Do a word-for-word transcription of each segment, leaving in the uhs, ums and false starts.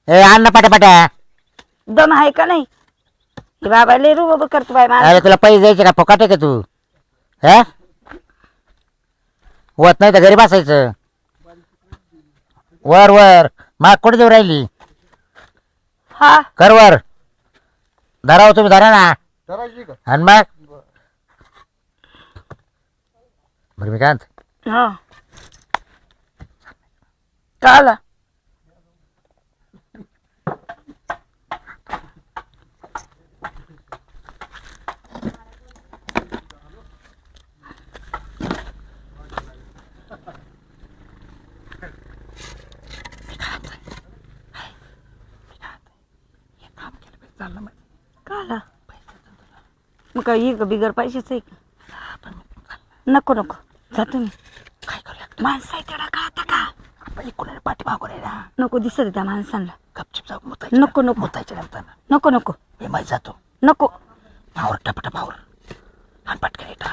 ए आण ना पटापटा. दम आहे का नाही हे बाबा लय रुबाब करतो बाय मला. अरे तुला पैसे द्यायचे का फुकट आहे का तू? हा होत नाही तर घरी बसायचं. वर वर माग कुठे देऊ राहिली? हा कर वर. धराव तुम्ही धरा ना. आणि मग बरं मी काय म्हणतो, हा काला काला मग काय ये का बिगर पैशाच आहे का? नको नको जा तुम्ही. काय करूया? माणसं आहे तेवढा कळता का? आपण कोणाला पाठी मागून आहे ना. नको दिसत त्या माणसांना. गपचिप जाऊ मुतायच्या. नको नको मुतायच्या नंतर नको नको हे माहीत जातो. नको पावर टपटा पावर आणि पटकन येतात.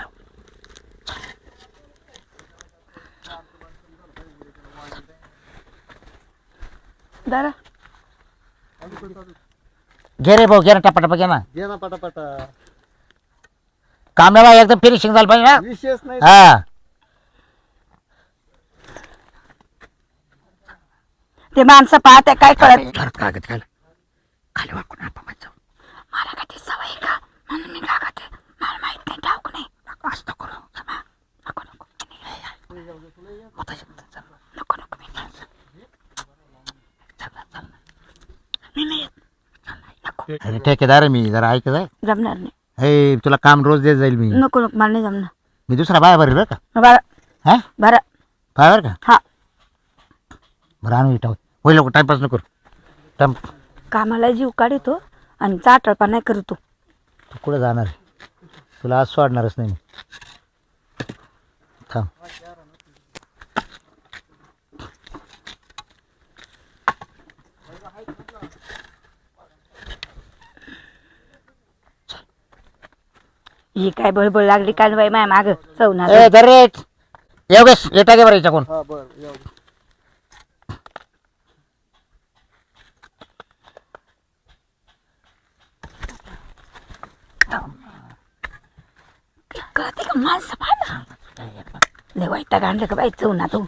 दादा घे रे भाऊ घे ना टपाटपा घे ना. घे ना पटापटा. कामला एकदम फिनिशिंग झालं पाहिजे ना. विशेष नाही. हा ते माणसं पाहते काय कळत. घरात कागद घाल खाली वाकून आपण जाऊ. मला का ती सवय आहे का म्हणून मी कागद आहे. मला माहित नाही ठाऊक नाही. असं करू नको नको मुतायच्या नंतर चल. नको नको मी नाही चल ना, चल ना. मी नाही येत. नको अरे ठेकेदार आहे मी जरा ऐक जाय. जमणार नाही. हे तुला काम रोज देत जाईल मी. नको नको मला नाही जमणार. मी दुसरा बाय भरेल बरं का. बरं हा बरं बाय बरं का. हा बरं आणू इटा होईल लोक टाइमपास नको टाइम. कामाला जीव काढतो आणि चाटळपा नाही करतो. तू कुठं जाणार आहे? तुला आज सोडणारच नाही मी. थांब ही काय बळबळ लागली काय बाई माय माग चवणार. ए दरेट योगेश येता गे बरं याच्याकडून. हा बर येऊ दे. कळते का माणसं पाहा ना. लय वाईट गांडलं का बाई चवना तू.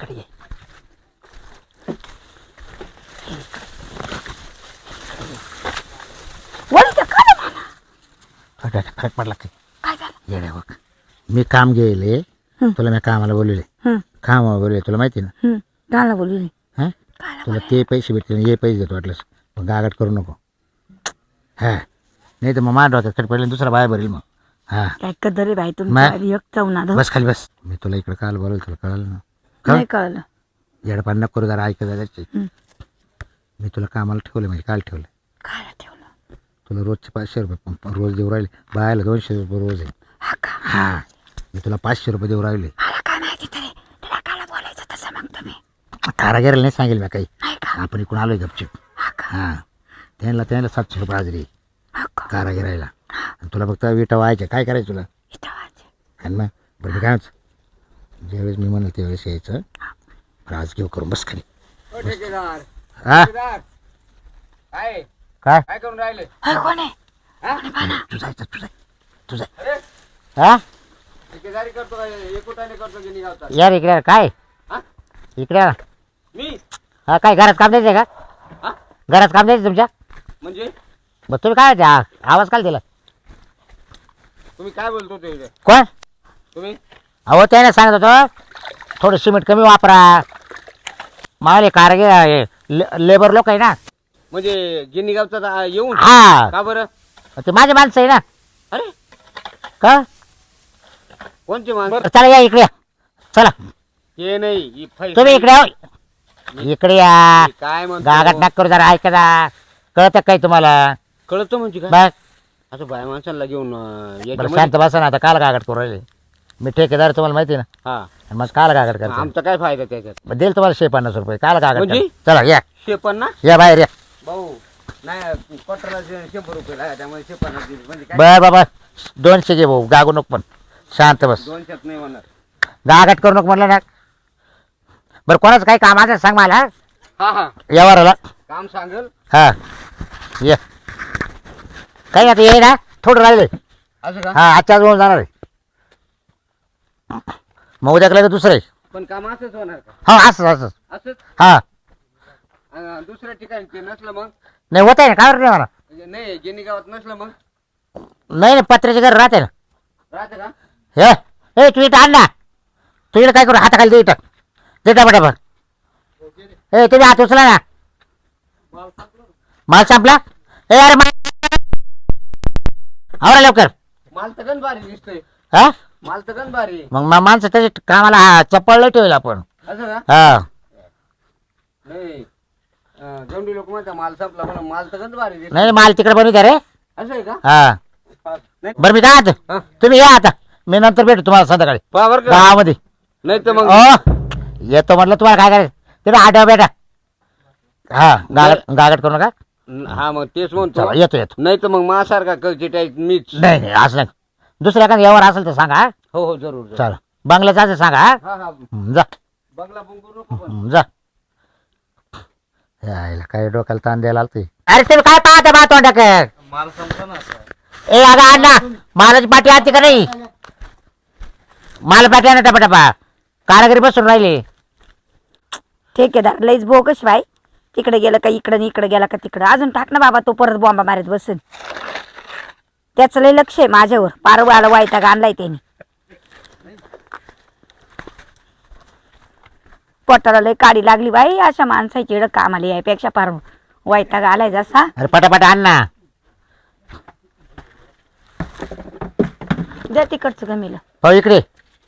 वळीचं का रे मला? फरक फरक पडला काही काय झालं? येड्या बघ. मी काम गेले तुला मी कामाला बोलवले. हं, कामाला बोलवले तुला माहिती ना. हं. काला बोलली हां तुला ते पैसे भेटले हे पैसे देतो वाटलंस. मग गागाट करू नको. हा नाही तर मग मांड होता तर पहिले दुसरा बाय भरेल मग. हा काय कदर रे बाई मा- तुमची एक चवना धर. बस खाली बस. मी तुला इकडे काल बोलवलं तुला कळलं ना. नाही कळलं. येडपान नको करू जरा ऐकत जायचे. हं. मी तुला कामाला ठेवलं म्हणजे काल ठेवलं. काय ठेवलं? तुला रोजचे पाचशे रुपये प- प- रोज देऊ राहिले. बायला दोनशे रुपये रोज आहे. हा का? हा मी तुला पाचशे रुपये देऊ राहिले. मला काय माहिती तरी तुला काला बोलायचं तसं मग तुम्ही कारागिराला नाही सांगेल मी काही. नाही का? आपण इकडून आलोय गपचिप. हा का? हां त्यांना त्यांना सातशे रुपये हाजरी हा का? कारागिरायला. आणि तुला फक्त विटा व्हायच्या काय करायचं तुला. इथं वाच. आणि मग बरं मी काय म्हणतो, ज्यावेळेस मी म्हणलं त्यावेळेस यायचं. बरं आज घेऊ करून बस खाली. ओ ठेकेदार. हा ठेकेदार. काय काय काय करून राहिले? होय कोण आहे? हा? तू जायचं तुझं तुझं अरे हा ठेकेदारी करतो काय एकुटाने करतो की निघावतात? यार इकडे यार. काय हा? इकडे यार. मी हा काय घरात काम द्यायचं का? हा घरात काम द्यायचं तुमच्या. म्हणजे मग तुम्ही काय द्या आवाज काल दिला तुम्ही काय बोलतो ते कोण? तुम्ही? अहो त्याने सांगत होतो थोडं सिमेंट कमी वापरा. मावले कारागीर आहे, ले- लेबर लोक आहे ना. म्हणजे गिन्नी गावचा येऊन हा का बरं? ते माझे माणसं आहे ना. अरे का कोणची माणसं? चला या इकडे या. चला हे नाही ही फै- तुम्ही इकडे या. इकडे या. मी काय म्हणतो? गागाट नाक करू जरा ऐका जा. कळत काय तुम्हाला? कळतो म्हणजे काय? बस असं बाय माणसाला घेऊन अं, बरं याच्यामध्ये- शांत बसा ना. आता काल गागाट करू राहिले. मी ठेकेदार तुम्हाला माहिती आहे ना. हा आणि मग काल गागाट करतो. आमचा काय फायदा त्याच्यात? मग देईल तुम्हाला शे पन्नास रुपये. काल गागाट म्हणजे? करतो. चला या शेपन ना या बाहेर या. भाऊ नाही पटला शंभर रुपये लागले त्यामुळे शेपन म्हणजे काय बर बाबा दोनशे घे भाऊ. गागू नको पण शांत बस. दोनशेच नाही म्हणणार. गागाट करू नको म्हणलं ना. बरं कोणाचं काही काम असेल सांग मला. हा हा यावर आला काम सांगेल हा ये काही आता ये ना थोडं राहिले असं का हा आजच्या जवळ जाणार आहे मग उद्या केलं तर दुसरं आहे पण काम असंच होणार का हा असंच असंच असंच हा अं, दुसऱ्या ठिकाणी ते नसलं मग नाही होत आहे ना काय नाही मला म्हणजे नाही गिनी गावात नसलं मग नाही नाही पत्र्याचे घर राहते ना राहतं का हे ए तू इथं आण ना तू इकडे काय करू हाताखाली दे इथं दे टापा ए तुम्ही हात उचला ना माल संपला ए अरे माल आवरा लवकर माल तर गण भारी दिसतोय हा माल तर गण भारी मग मा- माणसं त्याच्या कामाला हा चप्पल नाही ठेवेल आपण असं का हा नाही अं, गवंडी लोक म्हणतात माल संपला म्हणून माल तर गण भारी दिसतोय नाही माल तिकडे बनवू द्या रे असं आहे का हा नाही बरं मी काय आता हा. तुम्ही या आता मी नंतर भेटू तुम्हाला संध्याकाळी पहा बरं का गावामध्ये नाही तर मग अ येतो म्हटलं तुम्हाला काय करायचं तिथे आठवा बेटा हा गागट गागट करू नका हा मग तेच म्हणतो चला येतो येतो नाही तर मग मासारखा कळची टाईप मीच नाही नाही असं नाही दुसऱ्या एखादं यावर असेल तर सांगा हा? हो हो जरूर जरूर. चला बंगल्याचं असेल सांगा हा? हा हा हं, जा बंगला बुंगू नको पण हं, जा यायला काय डोक्याला ताण द्यायला आलते अरे तुम्ही काय पाहता बा तोंडाक माल संपला ना ए अगं अण्णा मालाची पाठी आती का नाही माल पाठी आणा टपाटपा कारागिरी बसून राहिले ठेकेदार लईच बोगस बाई तिकडे गेलं का इकडं आणि इकडे गेला का तिकडं अजून टाक ना बाबा तो परत बॉम्बा मारत बसेल त्याचं लय लक्ष आहे माझ्यावर पारवाला वायताग आणलाय त्याने पोटाला लय काडी लागली बाई अशा माणसाची इकडं कामाला यायपेक्षा पार वायताग आलाय जसा अरे पटापटा आण ना द्या तिकडचं गमीला हो इकडे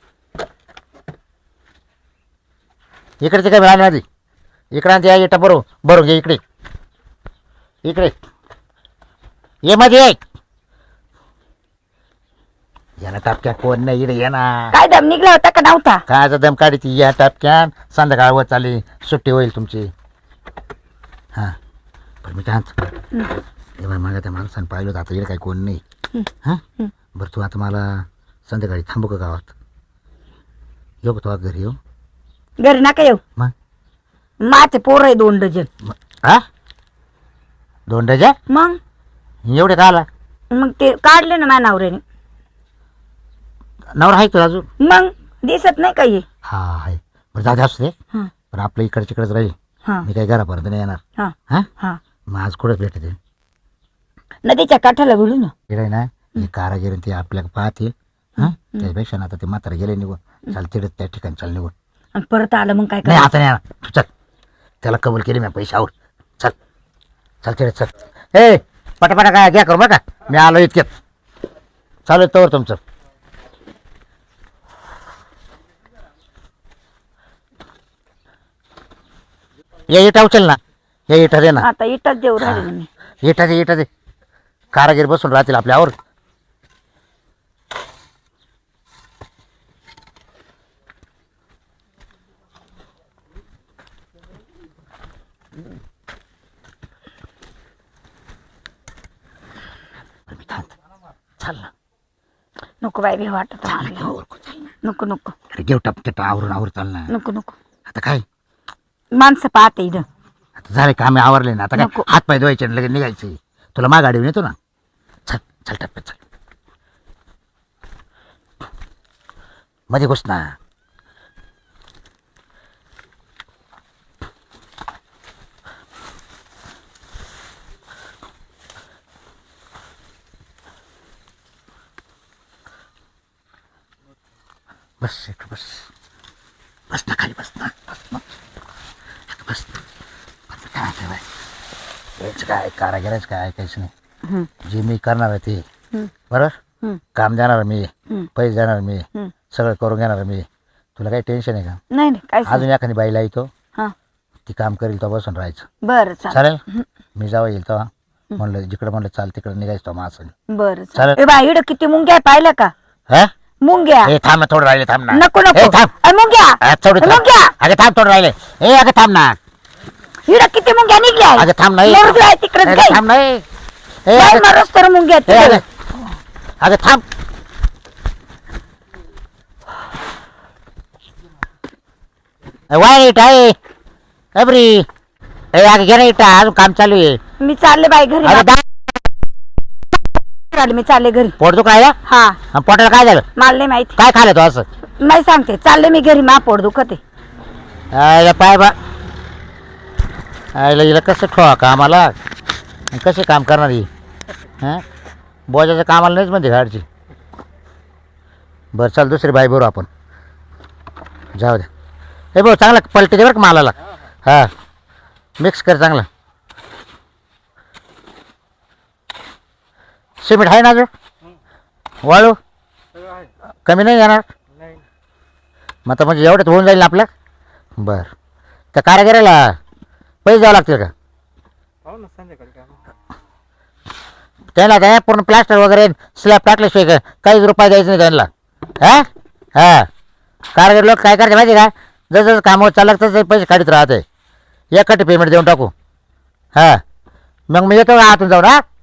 इकडचे काय मिळाले आधी इकडे या इटा बरोबर बरोबर घे इकडे इकडे ये मध्ये ये याला टापक्या कोण नाही इकडे ये ना काय दम निघला होता का नव्हता कायचा दम काढी ती या टापक्यान संध्याकाळ वर चाली सुट्टी होईल तुमची हां पण मी काय म्हणतो मागा त्या माणसानं पाहिलं होतं आता इकडे काही कोण नाही हां बरं तू आता मला संध्याकाळी थांबू का गावात येऊ का तो घरी येऊ घरी नका येऊ मग माझे पोर आहे दोन डझन हा दोन डझन मग एवढे का आला मग ते काढले ना माझ्या नवऱ्याने नवरा आहे तुला अजून मग दिसत नाही काही हा आहे बरं जाऊ दे असू दे हा पण आपलं इकडच्याकडेच राहील हा मी काही घरापर्यंत नाही येणार हा हां हा मग आज कुठंच भेटते नदीच्या काठाला बोलू ना इकडे आहे ना हे कारागिरी ते आपल्याला पाहतील हां त्यापेक्षा ना आता ते म्हातारा गेले निघून चाल तिकडे त्या ठिकाणी चाल निघून आणि परत आलं मग काय नाही करायचं? आता नाही येणार तू चल त्याला कबूल केली मी पैशावर चल चल तिकडे चल ए पटापटा काय घ्या करू बरं का मी आलो इतक्यात चालू आहे तोवर तुमचं या इटा उचल ना या इटा दे ना आता इटच देऊ राहिले ना मी इटा दे इटा दे कारागीर बसून राहतील आपल्यावर चाल ना नको बाई भी वाटत मला. नको नको अरे घेऊ टपके आवरून आवर चाल ना नको नको आता काय माणसं पाहते इथं आता झाले कामे आवरले ना आता काय नको. हात पाय धुवायचे आणि लगेच निघायचे तुला मा गाडीवर येतो ना चल चल टप्प्यात चल मध्ये घुस ना बस इकडं बस बस ना खाली बस ना बस ना आता बस आता काय आहे बाय हेच काय कारागिराच काय ऐकायचं नाही हम्म, जे मी करणार आहे ते हम्म, बरोबर हम्म, काम देणार मी हम्म, पैसे देणार मी हम्म. सगळं करून घेणार मी तुला काही टेन्शन आहे का नाही नाही काय अजून एखादी बाईला येतो हा ती काम करेल तो बसून राहायचं बरं चालेल चालेल मी जावं येईल तेव्हा म्हणलं जिकडं म्हणलं चाल तिकडं निघायचं तो माणसं बरं चालेल. चालेल ए बाई इकडं किती मुंग्या आहे, पाहिलं का हा मुंग्या ए थांब ना थोडं राहिले थांब ना नको ए, नको थांब अरे मुंग्या अ, थोडं थांब. मुंग्या अगं थांब थोडं राहिले ए अगं थांब ना इकडं किती मुंग्या निघल्या अगं थांब नाही मरुदे आहे तिकडंच अगं काय थांब नाही ए बाई अगं मारूस तर मुंग्या आहेत ए, तिकडं. अगं अगं थांब वाईट आहे अबरी ए अगं घे ना इटा अजून काम चालू आहे. मी चालले बाई घरी अरे दा चालले मी चालले घरी. पोट दुखायला हा आणि पोटाला काय झालं? मला नाही माहिती. काय खाल्लं तू असं? नाही सांगते चालले मी घरी मा पोट दुखते. आयला पाय बा आयला हिला कसं ठेवा कामाला आणि कसे काम करणार ही हां बोजाच्या कामाला नाहीच म्हणते गाडची. बरं चाल दुसरी बाई बरोबर आपण जाऊ द्या. हे भाऊ चांगला पलटी दे बरं का मालाला. हां मिक्स कर चांगला. सिमेंट आहे ना अजून? वाळू कमी नाही येणार मग आता म्हणजे एवढ्यात होऊन जाईल ना आपलं. बरं त्या कारागिराला पैसे द्यावं लागतील का? त्यांना काय पूर्ण प्लास्टर वगैरे स्लॅब टाकल्याशिवाय का काहीच रुपये द्यायचं नाही त्यांना. हां हां कारगिर लोक काय करते माहिती का जसं जसं कामावर चाललं तसं पैसे काढत राहते. एकटी पेमेंट देऊन टाकू. हां मग मी येतो आतून जाऊन. हां